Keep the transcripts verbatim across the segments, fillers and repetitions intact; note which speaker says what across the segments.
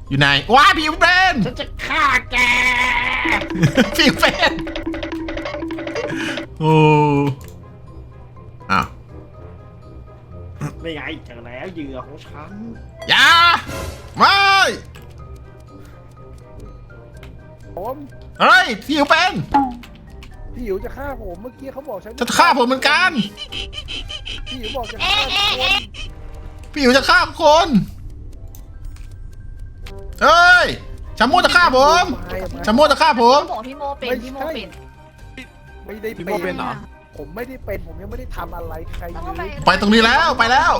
Speaker 1: อยู่ไหนว้าพี่อิ๋วเป็น
Speaker 2: ฉันจะฆ่าแก
Speaker 1: พี่อิ๋วเป็นโอ้อ้าว
Speaker 2: ไม่ไงเจอแล้วเหยื่อของฉัน
Speaker 1: อย่าไม่
Speaker 3: ผม
Speaker 1: เฮ้ยพี่อิ๋วเป็น
Speaker 3: พี่หิวจะฆ่าผมเมื่อกี้เขาบอกฉัน
Speaker 1: จะฆ่าผมเหมือนกัน
Speaker 3: พี่หิวบอกจะฆ่าผม
Speaker 1: พี่อิ๋วจะฆ่าคนเฮ้ยชาโมจะฆ่าผมชาโมจะฆ่าผม
Speaker 4: เขาบอกพี่โมเป็นพี่โมเป็น
Speaker 3: ไม่ได้
Speaker 5: พี่โมเป็นเหรอ
Speaker 3: ผมไม่ได้เป็นผมยังไม่ได้ทำอะไรใคร
Speaker 4: แล้ว
Speaker 3: เล
Speaker 4: ก็
Speaker 3: ย
Speaker 1: ไปตรงนี้แล้วไปแล้ว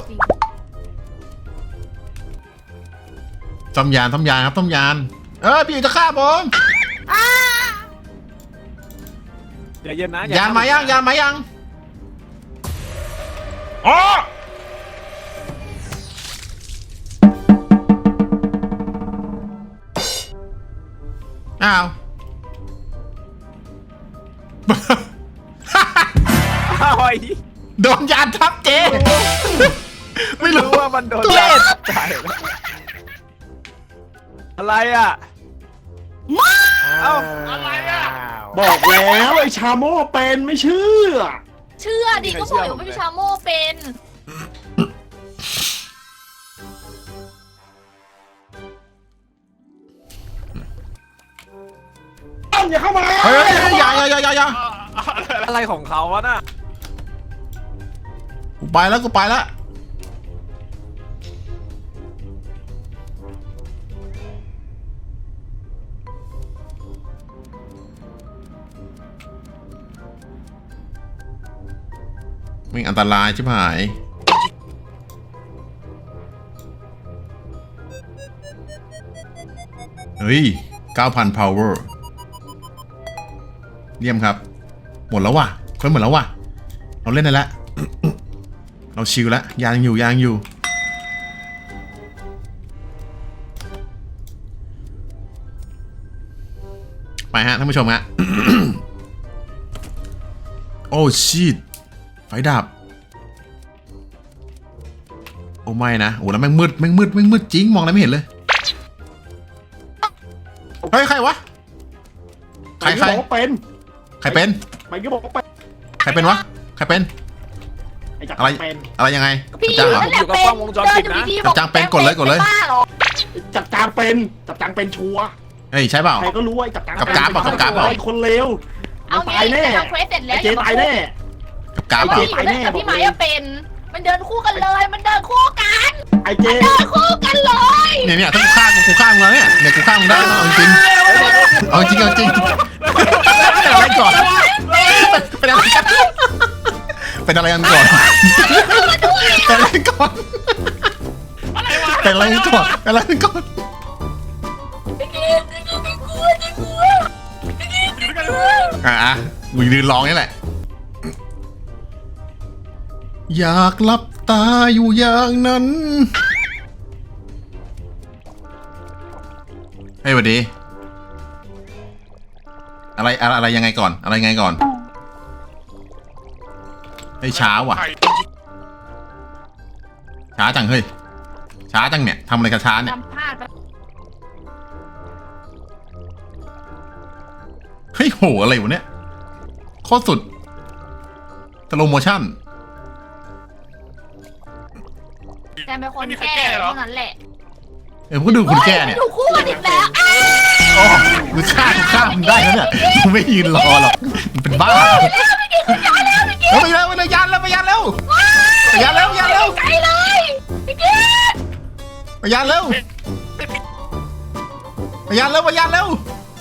Speaker 1: ต้มยานต้มยานครับต้มยานเอ้ยพี่อิ๋วจะฆ่าผม
Speaker 5: อย่าเย็นนะ
Speaker 1: ยานมายังยานมายังอ๋ออ้าว
Speaker 5: อ้าวไอ้
Speaker 1: โดนยานทับเจไม่รู้
Speaker 5: ว่ามันโดน
Speaker 1: ทุเรศ
Speaker 5: ตายแล้วอะไรอ่ะ เอ้า
Speaker 2: อะไรอ่ะบอกแล้วไอ้ชาโม่เป็นไม่เชื่อ
Speaker 4: เชื่อดิก็บอกอยู่ว่าพี่ชาโมเป็น
Speaker 2: ต้นอย่าเข้ามา
Speaker 1: เฮ้ยอย่าอย่าอย่าอย่าอย่า
Speaker 5: อะไรของเขาวะน่ะ
Speaker 1: กูไปแล้วกูไปแล้วไม่อันตรายชิบหายเฮ้ย เก้าพัน power เยี่ยมครับ หมดแล้วว่ะเพิ่มหมดแล้วว่ะ เราเล่นได้แล้ว เราชิลแล้วยางอยู่ยางอยู่ ไปฮะท่านผู้ชมฮะ โอ้ชีตไฟดับ โอ้ไม่นะโอ้แล้วแม่งมืดแม่งมืดแม่งมืดจริงมองอะไรไม่เห็นเลย เฮ้ยใครวะ ใคร
Speaker 2: ไป
Speaker 1: ใคร
Speaker 2: ก็บอกว่าเป็น
Speaker 1: ใครเป็น
Speaker 2: ไปก็บอกว่าเป็น
Speaker 1: ใครเป็นวะ ใครเป็น
Speaker 2: ไอ้จักร
Speaker 1: อะไร
Speaker 2: เป็น
Speaker 1: อะไรยังไง
Speaker 4: พี่
Speaker 1: จับ
Speaker 4: นั่
Speaker 1: จ้าง
Speaker 4: นแหละเป็นเดินอยู่ดีๆบอก
Speaker 1: จับจ้างเป็นกดเลยกดเลย
Speaker 4: บ้าหรอ
Speaker 2: จับจางเป็นจับจางเป็นชัวร์
Speaker 1: เฮ้ยใช่เปล่า
Speaker 2: ใครก็รู้ว่าไอ้จับจาง
Speaker 1: กับกราฟอะกับกราฟอะ
Speaker 2: ไอ้คนเลวมั
Speaker 4: เอา
Speaker 2: น
Speaker 4: งี้
Speaker 2: ตายแน่
Speaker 4: ทำเควสเสร็จแล้
Speaker 2: ไอ้
Speaker 4: ว
Speaker 2: เจตายแน่
Speaker 1: กับกราฟ
Speaker 4: ไอ้
Speaker 1: เปล่า
Speaker 4: พี่อยู่นั่นกับพี่ไม้อะเป็น มันเดินคู่กันเลย มันเดินคู่กัน
Speaker 2: ไอ้เจ
Speaker 4: เดินคู่กันเลย
Speaker 1: เนี่ยเนี่ยถ้ากูฆ่ากูกูฆ่ามึงแล้วเนี่ยเนี่ยกูฆ่ามึงได้นะเอาจริงเอาจริงเอาจริงเป็นอะไรก่อนเป็นอะไรกันเป็นอะไรกันก่อนเป็นอะไรก่อนเป็นอะไรก่อนเป็นอะไรก่อนอ่ะอ่ะกูยืนร้องนี่แหละอยากหลับตาอยู่อย่างนั้นเฮ้ยสวัสดีอะไรอะไรอะไรยังไงก่อนอะไรยังไงก่อนเฮ้ยช้าว่ะช้าจังเฮ้ยช้าจังเนี่ยทำอะไรกับช้าเนี่ย
Speaker 4: ทำพลาดไป
Speaker 1: เฮ้ยโหอะไรวะเนี่ยโคตรสุดสโลโมชั่น
Speaker 4: แต่เป็นคนแก้เท่านั้นแหละ
Speaker 1: เออพวกดูคุณแก่เนี่ย
Speaker 4: ถูกคู่กันอีกแล้วอ้า
Speaker 1: โอ้มึงฆ่ากูฆ่ามึงได้แล้วเนี่ยมึงไม่ยืนรอหรอกมึงเป็นบ้าแล้วไปแล้วไปเลยยันแล้วไปยันแล้วไปยันแล้วยันแล้ว
Speaker 4: ไกลเลยพี่กิ๊ด
Speaker 1: ไปยันแล้วไปยันแล้วไปยันแล้ว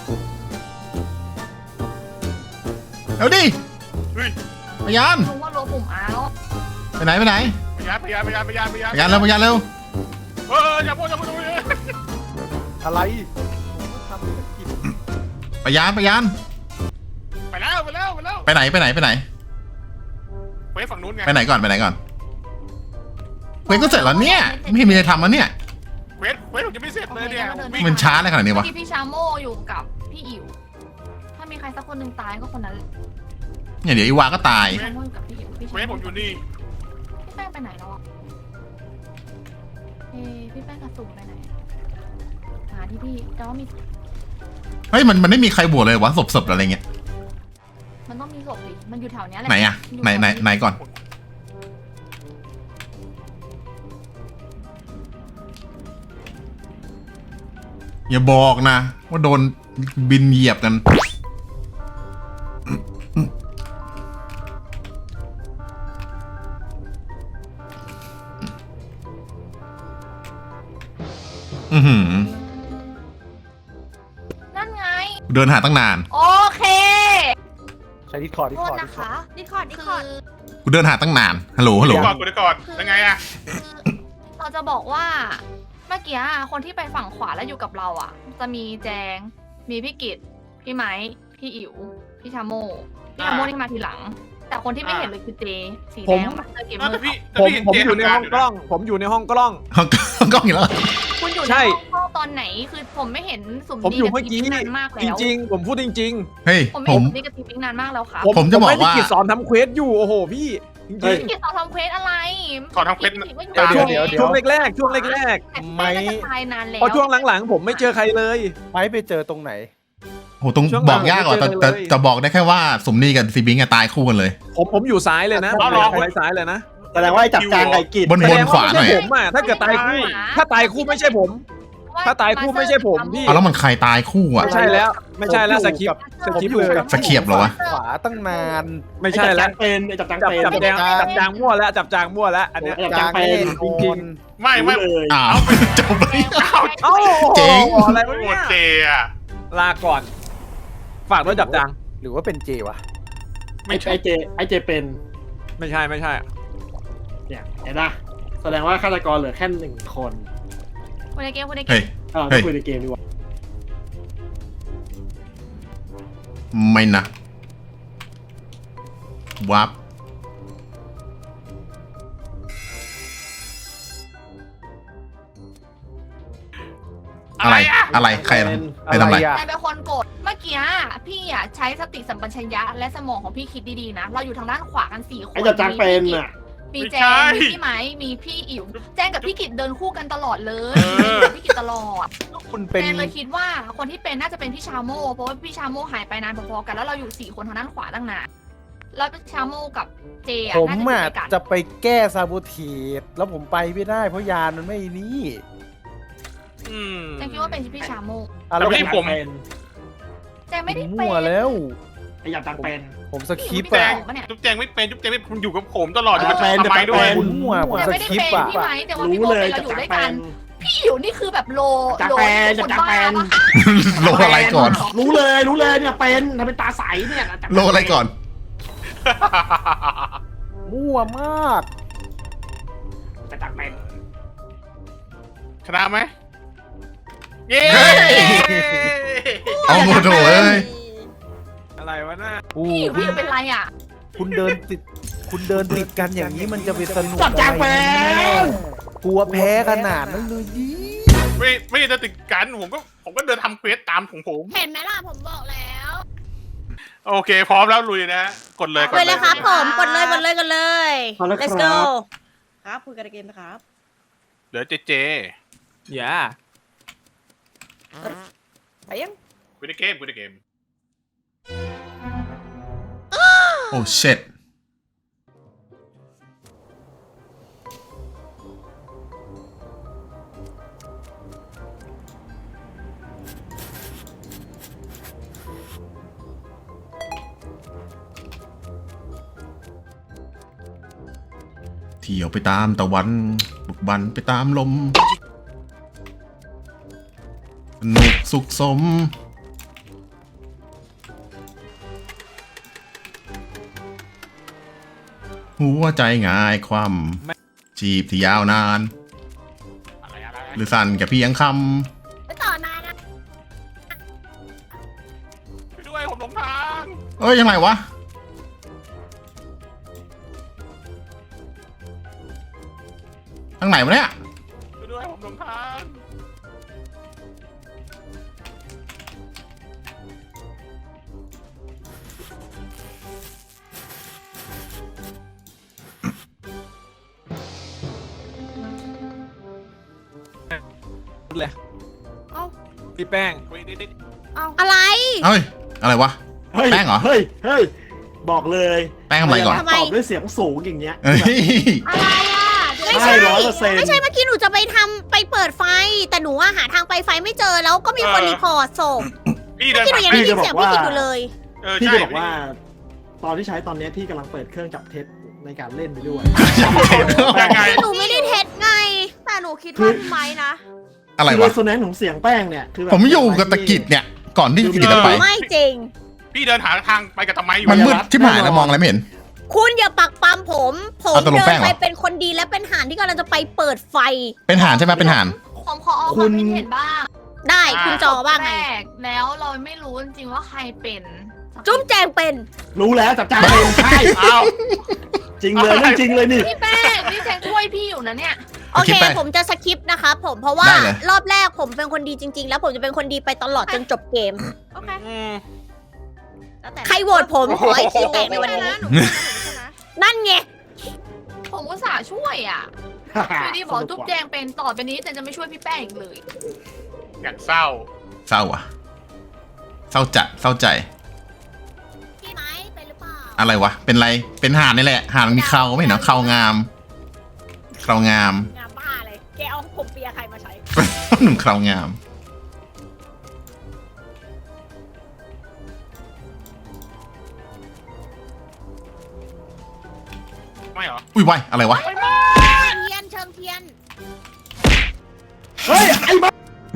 Speaker 1: เร็วดิไปยัน
Speaker 4: รู้ว่ารัวปุ่มอาแล้ว
Speaker 1: ไปไหนไปไหน
Speaker 5: พยานพยานพยานพยานพยาน
Speaker 1: ไปยันแล้วไปยันแล้ว
Speaker 5: เอออย่าพูดอย่าพูด
Speaker 3: อะไรผมก็ทำธุรกิจ
Speaker 1: ไปยันไปยัน
Speaker 5: ไปแล้วไปแล้วไปแล้ว
Speaker 1: ไปไหนไปไหนไปไหน
Speaker 5: ไปฝั่งนู้นไง
Speaker 1: ไปไหนก่อนไปไหนก่อนเควสก็เสร็จแล้วเนี่ยไม่มีอะไรทำแล้วเนี่ย
Speaker 5: เวทเวทผมจะไม่เสร็จเลยเนี่ยวิ่ง
Speaker 1: มันช้าอะไรขนาดนี้วะ
Speaker 4: พี่พี่ชาโมอยู่กับพี่อิ๋วถ้ามีใครสักคนหนึ่งตายก็คนนั้น
Speaker 1: เนี่ยเดี๋ยวอีวาก็ตาย
Speaker 4: พี่ชาโมอยู่กับพี่อิ๋วพี่ชา
Speaker 5: เวท
Speaker 4: โม
Speaker 5: ผมอยู่นี่
Speaker 4: พี่แป้งไปไหนแล้วอ่ะเอ้พี่แป้งกระสุนไปไหนหาที่พี่แต่ว่ามี
Speaker 1: เฮ้ยมันมันไม่มีใครบวชเลยวะศพๆอะไรเงี้ย
Speaker 4: มันต้องมีศพดิมันอยู่แถวเนี้ยแหละ
Speaker 1: ไหนอะ
Speaker 4: ยู่
Speaker 1: ไหนไหน
Speaker 4: แถว
Speaker 1: ไหนก่อนอย่าบอกนะ ว่าโดนบินเหยียบกัน อือหือ
Speaker 4: นั่นไง
Speaker 1: เดินหาตั้งนาน
Speaker 4: โอเค
Speaker 3: ใช้ดิสคอร์ดดิส
Speaker 4: โท
Speaker 3: ค
Speaker 4: ษ
Speaker 3: อร์ด
Speaker 4: นะคะ
Speaker 6: ดิคอร์ดดิ
Speaker 4: คื
Speaker 6: คอร์ด
Speaker 4: อ
Speaker 1: กูเดินหาตั้งนาน ฮัลโหล ฮัลโหล
Speaker 5: ก่อนกูได้ก่อนยังไงอะ
Speaker 4: คือเราจะบอกว่าเมื่อกี้คนที่ไปฝั่งขวาแล้วอยู่กับเราอ่ะ จะมีแจง มีพี่กิตพี่ไม้พี่อิ๋วพี่ชาโมพี่ชาโมนี่มาทีหลัง แต่คนที่ไม่เห็นเลยคือเจสีแดงมาสเตอร์เกมเมอร์
Speaker 5: พี่
Speaker 3: ผม
Speaker 5: พี่
Speaker 3: ผม
Speaker 5: เจ
Speaker 3: อยู่ใน
Speaker 5: ทำา
Speaker 3: ห้องกล้อง ผมอยู่ในห้องกล้อง
Speaker 1: กล้องอีกแล้ว
Speaker 4: คุณอยู่
Speaker 3: ใช่
Speaker 4: ในห้องตอนไหนคือผมไม่เห็นสุ่ม
Speaker 3: ผมอยู่
Speaker 4: ดี
Speaker 3: เมื่อกี้
Speaker 4: บทีนานมาก
Speaker 3: จ
Speaker 4: แล้ว
Speaker 3: ริง ๆ ผมพูดจริง
Speaker 1: เฮ้ย
Speaker 4: ผมไม่
Speaker 1: ผ
Speaker 4: เห็น
Speaker 1: ม
Speaker 4: สุ่มดีกับทีปิ๊งนานมากแล้วครับ
Speaker 3: ๆ ผม
Speaker 1: ผมจะบอก
Speaker 3: ไม่ได้
Speaker 1: ว่า
Speaker 3: กิจสอนทำเควสอยู่โอ้โหพี่จริง
Speaker 4: พี่กิตสอนทำเควสอะไร
Speaker 5: ขอทำเควส
Speaker 4: พี่กิตก็อยู่
Speaker 5: ตาม
Speaker 3: ๆช่วง
Speaker 4: ใน
Speaker 3: ช่วงแรกๆช่วงแรก
Speaker 4: แต่ไม่น่าจะตายนานแล้
Speaker 3: ๆ
Speaker 4: ว
Speaker 3: พอช่วงหลังๆ ผมไม่เจอใครเลย
Speaker 2: ไปไปเจอตรงไหน
Speaker 1: โหตรง
Speaker 3: ช่วง
Speaker 1: บอกยากกว่าแต่
Speaker 3: หลัง
Speaker 1: แต่
Speaker 3: ไม่เจอเลย
Speaker 1: แต่บอกได้แค่ว่าสมนีกับซีบิงอะตายคู่กันเลย
Speaker 3: ผมผมอยู่ซ้ายเลยนะ
Speaker 5: เอาเหรอ
Speaker 3: ผมอยู่ซ้ายเลยนะ
Speaker 2: แสดงว่าไอ้จับจางไก่กิด
Speaker 1: บน
Speaker 3: แส
Speaker 1: บ
Speaker 3: ด
Speaker 1: น
Speaker 3: ง
Speaker 1: ขวา
Speaker 3: ว่า
Speaker 1: หน่อย
Speaker 3: ไม่ใช่ผมอ่ะถ้าเกิดตายคู่ ถ้าตายคู่ไม่ใช่ผม ถ้าตายคู่ไม่ใช่ผมพี่
Speaker 1: เอาแล้วมันใครตายคู่อะ
Speaker 3: ไม่ใช่แล้ว ไม่ใช่แล้วสคริปต์สคริปต์เลย
Speaker 1: สเขียบเหรอวะ
Speaker 2: ขวาตั้งนาน
Speaker 3: ไม่ใช่แล้ว
Speaker 2: เป็นไอ้จับจาง
Speaker 3: จับ
Speaker 2: เป็น
Speaker 3: จับแจงจับจางมั่วแล้วจับจางมั่วแล้วอันเนี้ย
Speaker 2: ไอ้จับจางเป็น
Speaker 3: จริง
Speaker 5: ไม่ไม่
Speaker 2: รู้เลย
Speaker 1: อ้าวจบเลย
Speaker 3: เอ้า
Speaker 1: เจ๋ง
Speaker 3: อะไร
Speaker 5: โอ้
Speaker 3: วะ
Speaker 5: โห
Speaker 3: เนี่ย
Speaker 5: เจอะ
Speaker 3: ลาก่อน ฝากด้วยจับจาง
Speaker 2: หรือว่าเป็นเจวะ
Speaker 5: ไม่
Speaker 2: ไอ้
Speaker 5: ใช่
Speaker 2: ไอ้เจไอ้เจเป็น
Speaker 3: ไม่ใช่ไม่ใช่
Speaker 2: เนี่ยเห็นปะแสดงว่าฆาตกรเหลือแค่หนึ่งคน
Speaker 4: คุณในเกมคุณในเก
Speaker 1: เฮ้ย
Speaker 4: ม
Speaker 2: เออ
Speaker 1: เฮ้ย
Speaker 2: คุยในเกมดีกว่า
Speaker 1: ไม่นะวับอะไร อะไรใครทำใครทำอะไร
Speaker 2: อะ
Speaker 4: นายเป็นคนกดเมื่อกี้พี่อ่ะใช้สติสัมปชัญญะและสมองของพี่คิดดีๆนะ เราอยู่ทางด้านขวากันสี่คน
Speaker 2: ไอ้จับจางเป็นอ่ะ
Speaker 4: มีแจงมีพี่ไม้มีพี่อิ๋วแจงกับพี่กิตเดินคู่กันตลอดเลยกับพี่กิตตลอด
Speaker 2: คุณเป็น
Speaker 4: แจงเลยคิดว่าคนที่เป็นน่าจะเป็นพี่ชาโมเพราะว่าพี่ชาโมหายไปนานพอๆกันแล้วเราอยู่สี่คนทางด้านขวาตั้งนานแล้วชาโมกับเจอ่ะ
Speaker 2: ผม
Speaker 4: น่า
Speaker 2: อ่ะ
Speaker 4: จะเป็นกัน
Speaker 2: จะไปแก้ซาบูเทสแล้วผมไปไม่ได้เพราะยานมันไม่นี่
Speaker 5: อืม
Speaker 4: แจงคิดว่าเป็นพี่ชาโม
Speaker 2: อ่ะ
Speaker 5: แต่พี่ผม
Speaker 4: แจงไม่ได้เป็น
Speaker 2: มั่วแล้วไอ้จับจางเป็น ผมสคริปต์
Speaker 5: แจ
Speaker 2: อะ
Speaker 5: งจุ๊บแจงไม่เป็นจุ๊บแจงไม่คุณอยู่กับผมตลอดอยู่กับ
Speaker 2: แจง
Speaker 5: ทำไมด้วย
Speaker 2: แจง มั่วผม
Speaker 4: แจง
Speaker 2: ส
Speaker 4: ไม่ได้
Speaker 2: คริป
Speaker 4: เป็น
Speaker 2: ต์อะ
Speaker 4: พี่ไม้แต่ว่าพี่
Speaker 2: รู้
Speaker 4: โบ
Speaker 2: เลย
Speaker 4: เป็นเรา
Speaker 2: จั
Speaker 4: อบ ยู่
Speaker 2: จาง
Speaker 4: ด้วย
Speaker 2: เป็
Speaker 4: กัน
Speaker 2: น
Speaker 4: พี่อิ๋วนี่คือแบบโล
Speaker 2: จับ
Speaker 4: โล
Speaker 2: แปล
Speaker 4: ค
Speaker 2: จับ
Speaker 4: น
Speaker 2: จาง
Speaker 4: บ้า
Speaker 2: เป็น
Speaker 4: ปะ
Speaker 1: โลอะไรก่อน
Speaker 2: รู้เลยรู้เลยเนี่ยเป็นทำเป็นตาใสเนี่ยจับ
Speaker 1: โลอะไรก่อน
Speaker 2: มั่วมากจับจางเป็น
Speaker 5: ชนะไหมเย้
Speaker 1: เฮ้ย เอาโมโถเอ้ย
Speaker 3: อะไรวะน่า
Speaker 4: พี่อิ๋วพี่อิ๋วเป็นไรอ่ะ
Speaker 2: คุณเดินติด คุณเดินติดกันอย่างนี้มันจะเป็นสนุก
Speaker 3: จับจางเป็น
Speaker 2: กลัวแพ้ขนาดนั้นเลยยี่
Speaker 5: ไม่ไม่จะติดกันผมก็ผมก็เดินทำเควสตามของผม
Speaker 6: เห็นไหมล่ะผมบอกแล้ว
Speaker 5: โอเค พร้อมแล้วลุยนะกดเลยกด
Speaker 6: เลย
Speaker 5: เล
Speaker 6: เลย ยครับผมกดเลยกดเลยกดเลย
Speaker 2: เอาละ
Speaker 6: let's
Speaker 2: ค
Speaker 6: go
Speaker 2: รับ
Speaker 6: ครับคุยกันในเกมนะครับ
Speaker 5: เหลือเจเจ
Speaker 3: อย่า
Speaker 6: ไปยัง
Speaker 5: คุยในเกมคุยในเกม
Speaker 1: โอ้เช็ดเที่ยวไปตามตะวันบุกบันไปตามลมสนุกสุขสม หัวใจง่ายความจีบที่ยาวนาน
Speaker 5: อะไรอะไร
Speaker 1: หรือสั้นแค่เพียงค
Speaker 6: ไปต่อนายนะ
Speaker 5: ช่วยด้วยผมหลงทาง
Speaker 1: ำเอ้ยยังไงวะทางไหนวะเนี่ย
Speaker 5: ช่วยด้วยผมหลงทาง
Speaker 3: เลย
Speaker 6: เอ้า
Speaker 3: พี่แป้ง
Speaker 6: อะไร
Speaker 1: เฮ้ยอะไรวะ
Speaker 2: เฮ้ย
Speaker 1: แป้งเหรอ
Speaker 2: เฮ้ยเฮ้ยบอกเลย
Speaker 1: แป้งทำอะไรก่อน
Speaker 6: ทำไม
Speaker 2: ตอบด้วยเสียงสูงอย่างเงี้ย
Speaker 1: เฮ้ย
Speaker 6: อะไรอ่ะไม่
Speaker 2: ใช่
Speaker 6: ใช่
Speaker 2: ร้อยเปอร์เซ็นต์
Speaker 6: ไม่ใช่เมื่อกี้หนูจะไปทำไปเปิดไฟ แต่หนูอะหาทางไปไฟไม่เจอแล้วก็มีคนรีพอร์ตศพ
Speaker 5: พี่เดิ
Speaker 6: เมื่อน กี้หนู
Speaker 5: ผ่าน
Speaker 6: ยังได้ยินเสียงพี่กิตอยู่เลย
Speaker 5: เออ
Speaker 2: พี่
Speaker 5: ใช่
Speaker 2: จะบอกว่า ตอนที่ใช้ตอนเนี้ยพี่กำลังเปิดเครื่องจับเท็จในการเล่นไปด้วย
Speaker 5: ยังไง
Speaker 6: หนูไม่ได้เท็จไง แต่หนูคิดว่าพี่ไม้นะ
Speaker 1: อะไร
Speaker 2: คือ
Speaker 1: วะ
Speaker 2: เรโซแนนซ์ของเสียงแป้งเนี่ยคือแบบ
Speaker 1: ผมอยู่กับตะกิดเนี่ย ก่อนที่ตะกิดจะไป
Speaker 6: ไม่จริง
Speaker 5: พี่เดินหาทางไปกับทำไมอยู่
Speaker 1: มันมืดที่หายแล้วมองอะไรไม่เห็น
Speaker 6: คุณอย่าปักปั๊มผม ผม
Speaker 1: เอาตกลง
Speaker 6: เดิ
Speaker 1: แป้
Speaker 6: น
Speaker 1: งเหรอ
Speaker 6: ไปเป็นคนดีและเป็นห่านที่กำลังจะไปเปิดไฟ
Speaker 1: เป็นห่านใช่ไหมเป็นห่าน
Speaker 4: ผมขอเอาความคิดเห็นบ้าง
Speaker 6: ได้คุณจอว่าไง
Speaker 4: แรกแล้วเราไม่รู้จริงๆว่าใครเป็น
Speaker 6: จุ๊บแจงเป็น
Speaker 2: รู้แล้วจับจ้างเองใช่
Speaker 5: อ้าว
Speaker 2: จริงเลยเรื่องจริงเลยนี่
Speaker 4: พี่แป้งพี่แจงช่วยพี่อยู่นะเนี่ย
Speaker 6: โอ
Speaker 1: คิ
Speaker 6: เค
Speaker 1: ดไป
Speaker 6: ผมจะสคิปนะคะผมเพราะว่า
Speaker 1: ได้เลย
Speaker 6: รอบแรกผมเป็นคนดีจริง ๆ แล้วผมจะเป็นคนดีไปตลอดจนจบเกม
Speaker 4: โอเค
Speaker 5: อืม
Speaker 6: ใครโหวตผมขอให้ขี้แตกในวันนี้ นั่นไง
Speaker 4: ผมอุตส่าห์ช่วยอ่ะอยู่ดีบอกจุ๊บแจงเป็นต่อไปนี้แจงจะไม่ช่วยพี่แป้งอีกเลย
Speaker 5: อย่างเศร้า
Speaker 1: เศร้าอ่ะ เศร้าจัดเศร้าใจ
Speaker 6: พี่ไม้เป็นหรือเปล่า
Speaker 1: อะไรวะ เป็นไร เป็นห่านนี่แหละ ห่านมันมีเขาไม่เห็นเหรอเขางามเขางาม
Speaker 6: งามบ้าเลย แกเอาผมเปียใครมาใช้
Speaker 1: หนุ่มเขางาม
Speaker 5: ไม่เหรอ
Speaker 1: อุ้ยวายอะไรวะ
Speaker 6: เทียนเชิงเทียน
Speaker 2: เฮ้ยไอ้บ้า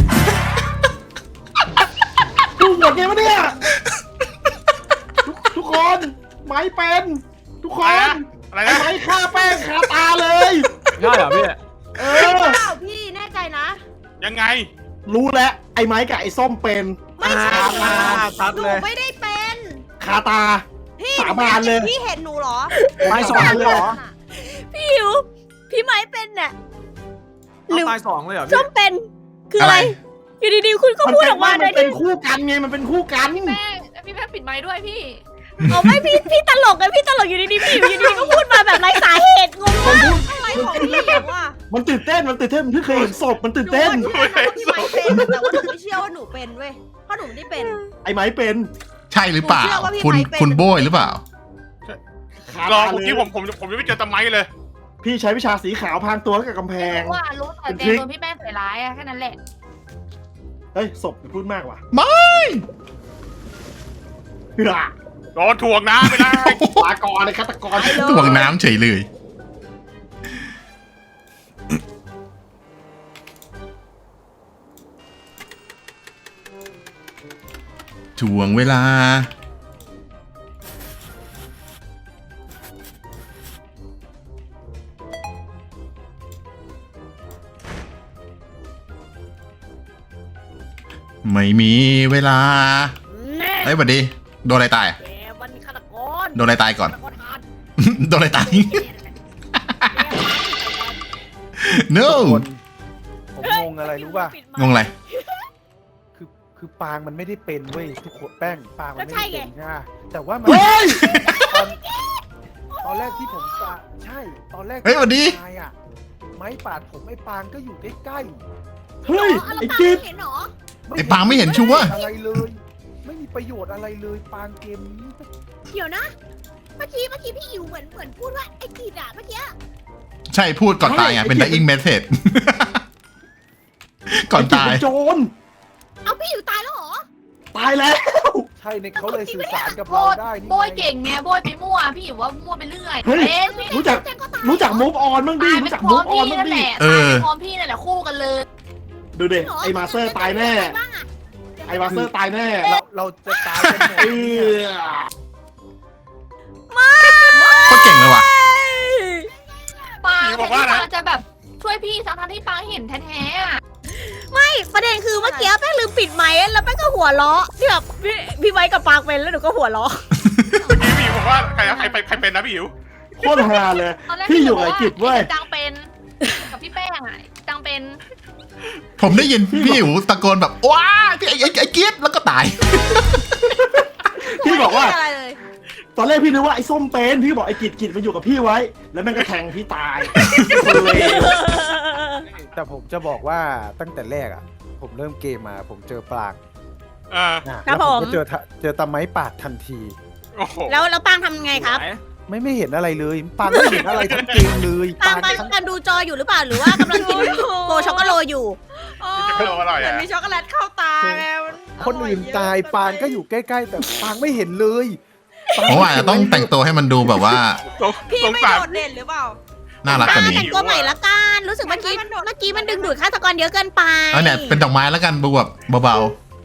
Speaker 2: ดูหมดไงวะเนี่ยทุกทุกคนไม้เป็นทุกค
Speaker 5: อะไร
Speaker 2: น
Speaker 5: นะอะไร
Speaker 2: ไอ้
Speaker 5: นะ
Speaker 2: ไม้ฆ่าแป้งคาตาเลย
Speaker 3: ได้เหรอพี่
Speaker 2: เอ
Speaker 6: เป
Speaker 2: อ
Speaker 6: ล่าพี่แน่ใจนะ
Speaker 5: ยังไง
Speaker 2: รู้แล้วไอ้ไม้กับไอ้ส้มเป็น
Speaker 6: ไม่ใช่
Speaker 2: คาตา
Speaker 3: ชัด
Speaker 6: หนู
Speaker 3: เลย
Speaker 6: ไม่ได้เป็น
Speaker 2: คาตา
Speaker 6: พี่
Speaker 2: สาบานเลย
Speaker 6: พี่เห็นหนูเหรอ
Speaker 3: ไม้สองเลยเหรอ
Speaker 6: พี่หิว พี่ไม้เป็นน่ะ หรือ
Speaker 3: เอาตายสองเลยเหรอ
Speaker 6: ส้
Speaker 3: พี่
Speaker 6: มเป็น คืออะไร อยู่ดีๆคุณก็
Speaker 2: มัน
Speaker 6: พูด
Speaker 2: เป็น
Speaker 6: ออกมา
Speaker 2: มัน
Speaker 6: โดย
Speaker 2: เป็น
Speaker 6: ที่
Speaker 2: คู่กันไงมันเป็นคู่กัน
Speaker 4: แป้งพี่แป้งปิดไมค์ด้วยพี่
Speaker 6: เอาไม่พี่พี่ตลกไงพี่ตลกอยู่ดีๆพี่อยู่ดีๆก็พูดมาแบบไร้สาเหตุงงมากอะไรของพี่หิวอ่ะ
Speaker 2: มันตื่นเต้นมันตื่นเต้นมันเพิ่งเคยเห็นศพมันตื่นเต้น
Speaker 6: หนูว่าพี่ไม้เป็นแต่ว่าหนูไม่เชื่อว่าหนูเป็นเว้ยเพราะหนูไม่ได้เป็น
Speaker 2: ไอ้ไม้เป็น
Speaker 1: ใช่หรือเปล่า
Speaker 6: ผมเชื่อว่าพี่
Speaker 1: คุณ
Speaker 6: ไม้เป็น
Speaker 1: คุณโบยหรือเปล่า
Speaker 2: คาร
Speaker 5: อ
Speaker 2: ตา
Speaker 5: เมื่อ
Speaker 2: เล
Speaker 5: กี้
Speaker 2: ย
Speaker 5: ผมผมผมยังไม่เจอตะไม้เลย
Speaker 2: พี่ใช้วิชาสีขาวพรางตัวกับกำแพง
Speaker 4: ว่ารู้แต่แจงโดนพี่แป้งใส่ร้ายอะแค่นั้นแหละ
Speaker 2: เฮ้ยศพอย่าพูดมากว่ะ
Speaker 1: ไม่
Speaker 2: เฮ้ย
Speaker 5: โดนถ่วงน้ำไปเลย
Speaker 2: ลากรเลยฆาตกร
Speaker 1: ถ่วงน้ำเฉยเลย ถ่วงเวลา ไม่มีเวลา
Speaker 6: แน่
Speaker 1: เฮ้ยบัดดี โดนอะไรตายอะ
Speaker 6: แกมันฆาตกร
Speaker 1: โดนอะไรตายก่อน
Speaker 6: ฆาตกรหาด
Speaker 1: โดนอะไรตาย
Speaker 6: แกมัน
Speaker 1: no
Speaker 7: คนผมงงอะไรรู้ป่ะ
Speaker 1: งงอะไร
Speaker 7: คือคือปางมันไม่ได้เป็นเว้ยทุกคนแป้งปางมันไม่
Speaker 6: ก็ใช่
Speaker 7: ได้
Speaker 6: ไง
Speaker 7: เป็นนะแต่ว่ามัน
Speaker 2: เฮ้ย
Speaker 7: ตอนตอนแรกที่ผมตาใช่ตอนแรก
Speaker 1: เฮ้ยสวัสดี
Speaker 7: ตายอ่ะไม้ปาดผมไอ้ปางก็อยู่ใกล้
Speaker 2: เฮ้ย
Speaker 6: อ๋อแล้ว
Speaker 2: ไอ้
Speaker 6: ปา
Speaker 2: กิ๊บ
Speaker 6: ไม่เห็นเหรอ
Speaker 7: ๆ
Speaker 1: ไอ้ปางไม่เห็นชัวร์
Speaker 7: อะไรเลย ไม่มีประโยชน์อะไรเลยปางเกมนี้
Speaker 6: เดี๋ยวนะ เมื่อกี้เมื่อกี้พี่อิวเหมือนเหมือนพูดว่าไอ้กีดอะเมื่อกี้
Speaker 1: ใช่พูดก่อนตายไงเป็น dying message ก่อนตาย
Speaker 2: ไกิ๊บเป็นโจร
Speaker 6: เอาพี่อิวตายแล้วเหรอ
Speaker 2: ตายแล้ว
Speaker 7: ใช่ในเขาเลยสื่อสารกับ
Speaker 4: โบ
Speaker 7: เรา
Speaker 4: ย
Speaker 7: ได้นี่
Speaker 4: โบย
Speaker 7: ไง
Speaker 4: เก่งไงโบยไปมั่วพี่อยู่ว่ามั่วไปเรื่อย
Speaker 2: เฮ้ย
Speaker 4: เป็น
Speaker 2: รู้จัก
Speaker 6: แจงก็ตาย
Speaker 2: รู้จักมูฟออนบ้างดิ
Speaker 4: ตายไป
Speaker 2: รู้จัก
Speaker 4: พร้
Speaker 2: มู
Speaker 4: อม
Speaker 2: ฟออน
Speaker 4: พี่
Speaker 2: บ้าง
Speaker 4: นั่น
Speaker 2: ดิ
Speaker 4: แหละ
Speaker 1: เออ
Speaker 4: ตายไปพร้อมพี่นั่นแหละคู่กันเลย
Speaker 2: ดูเด็
Speaker 6: หร
Speaker 2: ไอ้มาสเตอร์ตายแน่
Speaker 6: ใครบ้างอะ
Speaker 2: ไอ้มาสเตอร์ตายแน่
Speaker 7: เราเราจะตายกันหมด
Speaker 2: เอ
Speaker 7: เนี่ย
Speaker 2: อ
Speaker 1: โคตรเก่งเลยว่ะ
Speaker 4: ปาง
Speaker 5: พี่
Speaker 4: แต่
Speaker 5: บอก
Speaker 4: ที่
Speaker 5: ว่านะ
Speaker 4: ปางจะแบบช่วยพี่ทั้งๆที่ปางเห็นแท้ๆอะ
Speaker 6: ไม่ประเด็นคือเมื่อกี้แป้งลืมปิดไมค์แล้วแป้งก็หัวเราะที่แบบพี่พี่ไม้กับปางเป็นแล้วหนูก็หัวเราะ
Speaker 5: เมื่อกี้พี่บอกว่าใครใครใครใครเป็นนะพี่หิว
Speaker 2: โคตรฮาเลย
Speaker 4: ตอนแรก
Speaker 2: พี่อยู่กับไอ้กิจเว้ย
Speaker 4: จังเป็นกับพี่แป้งอะจังเป็น
Speaker 1: ผมได้ยินพี่อิ๋วตะโกนแบบว้าพี่ไอ้ไอ้ไอ้เกียดแล้วก็ตาย
Speaker 2: พี่บอกว่า
Speaker 6: ไม่ได้อะไรเลย
Speaker 2: ตอนแรกพี่นึกว่าไอ้ส้มเป็นพี่บอกไอ้กิจกิจมันอยู่กับพี่ไว้ แล้วแม่งก็แทงพี่ตายคนเลว
Speaker 7: แต่ผมจะบอกว่าตั้งแต่แรกอ่ะผมเริ่มเกมมา ผมเจอปลาง
Speaker 5: อ่า
Speaker 7: อ่ะ
Speaker 6: ครับ
Speaker 7: แล้ว
Speaker 6: ผม
Speaker 7: ก็เจอทะเจอตะไม้ปาดทันที
Speaker 5: โอ้โห
Speaker 6: แล้วแล้วปางทำไงครับ
Speaker 7: ไม่ไม่เห็นอะไรเลยปางไม่เห็นอะไรทั้งเกมเลย
Speaker 6: ปางปาง
Speaker 7: ทั้ง
Speaker 6: กำลังดูจออยู่หรือเปล่าหรือว่ากำลังกินโกช็อกโกโลอยู่
Speaker 5: จะไม่รู้อร่อย
Speaker 8: เหมือน
Speaker 5: อ่ะ
Speaker 8: มีช็อกโกแลตเข้าตาไงมัน
Speaker 7: คนอื่นตายปางก็อยู่ใกล้ๆ แต่ปางไม่เห็นเลยปง
Speaker 1: ผมว่าอาจจะต้องแต่งตัวให้มันดูแบบว่า
Speaker 5: สง
Speaker 8: พี่
Speaker 5: สง
Speaker 8: ไม่
Speaker 5: สาร
Speaker 8: โดดเด่นหรือเปล่า
Speaker 1: น่ารักกว่านี้
Speaker 6: แต่งตัวใหม่ละกันรู้สึกเมื่อกี้
Speaker 8: มันโดด
Speaker 6: เมื่อกี้มันดึงดูดฆาตกรเยอะเกินไป
Speaker 1: เอาเนี่ยเป็นดอกไม้แล้วกันดูแบบเบา